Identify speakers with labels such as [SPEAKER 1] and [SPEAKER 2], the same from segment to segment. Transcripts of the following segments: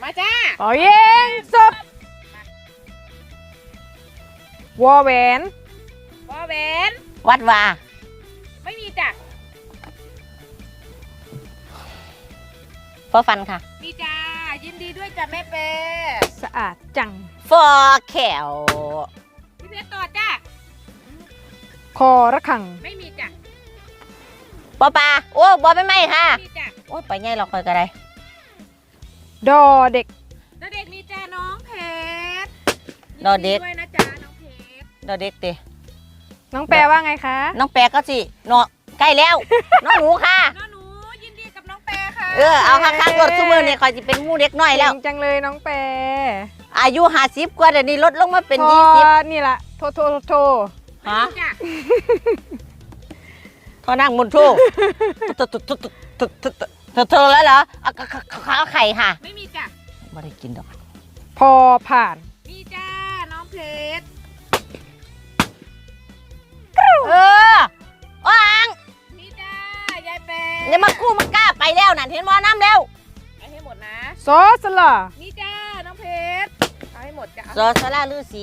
[SPEAKER 1] มาจ้า
[SPEAKER 2] ขอยิงจบวอแหวน
[SPEAKER 1] วอแหวน
[SPEAKER 3] วัดวา
[SPEAKER 1] ไม่มีจ้ะ
[SPEAKER 3] ฟอฟันค่ะ
[SPEAKER 1] มีจ้ายินดีด้วยจ้ะแม่เป้
[SPEAKER 2] สะอาดจัง
[SPEAKER 3] ฟอแขว
[SPEAKER 1] พี่เพชรต่อจ้า
[SPEAKER 2] คอระฆัง
[SPEAKER 1] ไม่มีจ้ะ
[SPEAKER 3] ปอปลาโอ้บอไม่ไหมค่ะ
[SPEAKER 1] มีจ้ะ
[SPEAKER 3] โอ้ยไปไงเราคอยกันได้
[SPEAKER 2] ดอเด็ก
[SPEAKER 1] แล้วเด็กมีจ้าน้องเพชร
[SPEAKER 3] ดอเด็ก
[SPEAKER 1] ยินด้วยนะจ้าน้องเพชร
[SPEAKER 3] เราเด็กติ
[SPEAKER 2] น้องแปลว่าไงคะ
[SPEAKER 3] น้องแปรก็สิเนาะใกล้แล้ว น้องหนูค่ะ
[SPEAKER 1] น้องหนูยินดีกับน้องเป้ค่ะ
[SPEAKER 3] เอาข้างๆรถซูเมอร์เนี่ยคอยจะเป็นหมู่เด็กน้อยแล้ว
[SPEAKER 2] เก่งจังเลยน้องแปล
[SPEAKER 3] อายุ50กว่าเดี๋ยวนี้ลดลงมาเป็น
[SPEAKER 2] พอ
[SPEAKER 3] 20
[SPEAKER 2] นี่ล่ะโท
[SPEAKER 1] ไม่
[SPEAKER 3] ฮะ
[SPEAKER 1] มีจ้ะ
[SPEAKER 3] เขานั่งบนโถเธอแล้วเหรอข้าวไข่ค่ะ
[SPEAKER 1] ไม่มีจ้ะ
[SPEAKER 3] ไม่ได้กินดอก
[SPEAKER 2] พอผ่าน
[SPEAKER 1] มีจ้าน้องเพชร
[SPEAKER 3] ว่าง
[SPEAKER 1] มีจ้ายายเป้
[SPEAKER 3] อย่ามากู้มากล้าไปแล้วน่ะเห็นมอน้ำแล้ว
[SPEAKER 1] เอาให้หมดนะ
[SPEAKER 2] ซอสละ
[SPEAKER 1] มีจ้าน้องเพชรเอาให้หมดจ้ะ
[SPEAKER 3] ซอสลาลือสี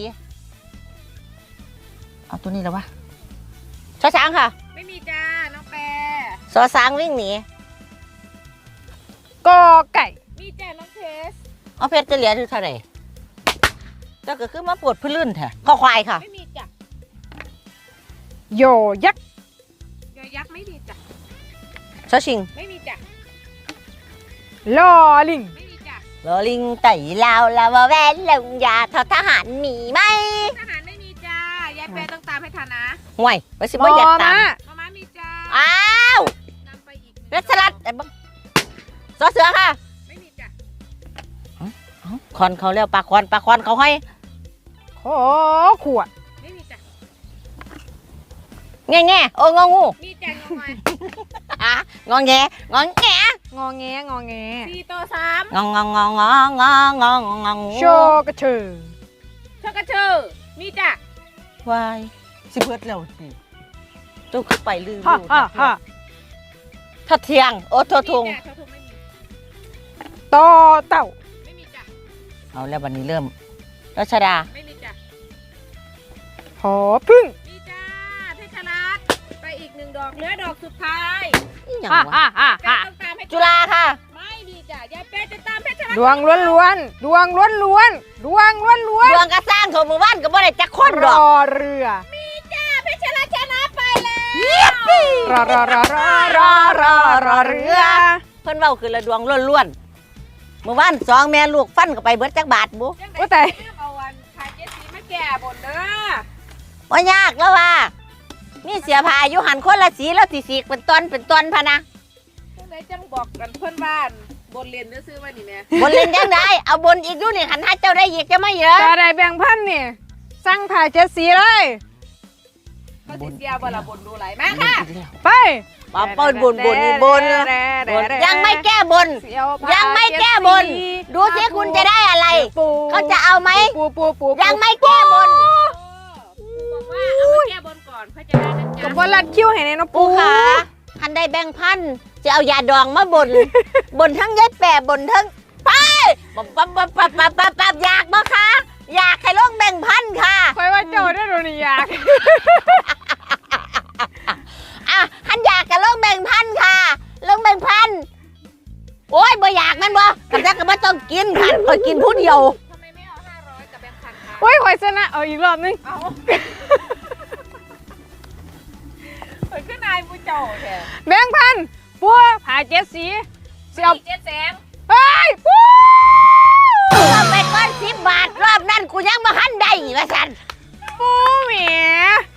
[SPEAKER 3] เอาตัวนี้แล้ววะชอช้างค่ะ
[SPEAKER 1] ไม่มีจ้าน้องเป้
[SPEAKER 3] ซอช้างวิ่งหนี
[SPEAKER 2] กอไก่
[SPEAKER 1] มีจ้าน้องเพชร
[SPEAKER 3] เอาเพชรจะเหลืออยู่เท่าไหร่เจ้าก็คือมาปวดพื้นลื่นแท้ข้อควายค่ะ
[SPEAKER 1] ไม่มีจ้ะ
[SPEAKER 2] โยยักษ์
[SPEAKER 1] ยอยักษ์ไม่มีจ้ะ
[SPEAKER 3] ชอชิง
[SPEAKER 1] ไม่มีจ้ะ
[SPEAKER 2] ลอลิง
[SPEAKER 1] ไม่มีจ้ะ
[SPEAKER 3] ลอลิงไต่ลาวลาวาแวนลงยาทอทหารมีไหม
[SPEAKER 1] ทหารไม่มีจ้ายายเป้ต้องตามให้ทันนะ
[SPEAKER 3] ห่วยไปสิ
[SPEAKER 2] ม
[SPEAKER 3] บ่อยากตาม
[SPEAKER 1] มาม่ามีจ้า
[SPEAKER 3] อ้าว
[SPEAKER 1] นำไปอีก
[SPEAKER 3] รัชรัตน์ไอ้บังซอเสือค่ะ
[SPEAKER 1] ไม่มีจ้ะ
[SPEAKER 3] คอนเขาเรียกปลาคอนเขาห้อย
[SPEAKER 2] ขอขวด
[SPEAKER 1] ไม่มีจ้ะ
[SPEAKER 3] แง่โอ้งองู
[SPEAKER 1] มีจ้ะงงอย
[SPEAKER 3] งอแงงอแง
[SPEAKER 2] งอแงงอแง
[SPEAKER 1] 4 ต่อ 3
[SPEAKER 3] งองงองงองงองงอง
[SPEAKER 2] โชกระเชอ
[SPEAKER 1] เชอกระเชอมีจ้ะ
[SPEAKER 3] วายสิเบิดแล้วสิตู้ขึ้นไปลืม
[SPEAKER 2] ฮ่าฮ่าฮ่า
[SPEAKER 3] ถ้าเทียงโอ้ททง
[SPEAKER 1] มีจ้ะทงไม่มี
[SPEAKER 2] ต่อเต่า
[SPEAKER 1] ไม่มีจ้ะ
[SPEAKER 3] เอาแล้ววันนี้เริ่มรัชดา
[SPEAKER 1] ไม่มีจ้ะ
[SPEAKER 2] หอพึ่ง
[SPEAKER 1] มีจ้าเพชรรัตน์ไปอีก1 ดอกเหลือดอกสุดท้าย
[SPEAKER 3] อีหยัง
[SPEAKER 2] ฮ่าว
[SPEAKER 3] ะ
[SPEAKER 2] ฮ่าฮ่า
[SPEAKER 1] เป้
[SPEAKER 2] ฮ่า
[SPEAKER 1] ต้องตามให้
[SPEAKER 3] จุฬาค่ะ
[SPEAKER 1] ไม่มีจ้ะยายเป้จะตามเพชรรัตน์
[SPEAKER 2] ดวงล้วนๆดวงล้วนๆดวงล้วน
[SPEAKER 3] ดวงกระสร้างโถมือบ้านก็บ่ได้จักคน
[SPEAKER 2] ๆร
[SPEAKER 3] ดอก
[SPEAKER 2] อเรือ
[SPEAKER 1] มีจ้าเพชรรัตน์ชนะไปแล้ว
[SPEAKER 2] รอเรือ
[SPEAKER 3] เพิ่นเว้าคือละดวงล้วนๆมื้อวาน2แม่ลูกฟันก็ไปเบิดจักบาทบุ
[SPEAKER 1] ยังไง
[SPEAKER 2] โอ้ตาย
[SPEAKER 1] เรื่องเอาวันพาเจสซีมาแก่บนเด้อ
[SPEAKER 3] บ่ยากแล้วว่ามีเสียผ้าอยู่หันคนละสีแล้วสิสีกเป็นตอนพะนะ
[SPEAKER 1] จังไดจังบอกกันเพื่อนบ้านบนเรียนซื้อๆมานี่แม่
[SPEAKER 3] บนเล่นยังได้เอาบนอีกดูนี่หันหาเจ้าได้อีกจะไม่เยอะ
[SPEAKER 2] แต่ได้แบ่งพันนี่สั่งถ่าย7 สีเลย
[SPEAKER 1] เขาสิเสียบ่ละบนดูไหลมาค่ะ
[SPEAKER 2] ไป
[SPEAKER 3] ปาเปิ้ลบนยังไม่แก้บน
[SPEAKER 2] เสียวพา
[SPEAKER 3] ยังไม่แก้บน
[SPEAKER 2] 7 สี
[SPEAKER 3] ดูสิคุณจะได้อะไร
[SPEAKER 2] ปู
[SPEAKER 3] เขาจะเอาไหม
[SPEAKER 2] ปู
[SPEAKER 3] ยังไม่แก้บน
[SPEAKER 1] บอกว่าเอามาแก้บนก่อนเพื่อจะได้นะ
[SPEAKER 2] กั
[SPEAKER 1] จ๊ะ
[SPEAKER 2] บบอลลัดคิ้วให้ในน้อง
[SPEAKER 3] ปู
[SPEAKER 2] ปู
[SPEAKER 3] ขาทันได้แบ่งพันจะเอายาดองมาบน บนทั้งยายแปะบนทั้งไปปับอยากบ่คะอยากให้ลงแบ่งพันค่ะ
[SPEAKER 2] คอยว่าเจ้าได้โดนอยาก
[SPEAKER 3] อ่ะหันอยากกับลงแบ่งพันค่ะลงแบ่งพันโอ้ยบ่อยากมันบ่กับจักก็บ่ต้องกินค่ะคอยกินผู้เดียว
[SPEAKER 1] ทำไมไม่เอา500กับแบงค์พันคะ
[SPEAKER 2] โอ้ยคอยชนะเอาอีกรอบนึง
[SPEAKER 1] เอาเปิดขึ้นนายผู้เจ้าแท้
[SPEAKER 2] แบ่งพันปูผ่า7 สีเสียว
[SPEAKER 1] เจ็ดแสน
[SPEAKER 2] เฮ้ยปู
[SPEAKER 3] ก็เป็นก้อน10 บาทรอบนั้นกูยังบ่ทันได้ว่าซั่น
[SPEAKER 2] ปูแหม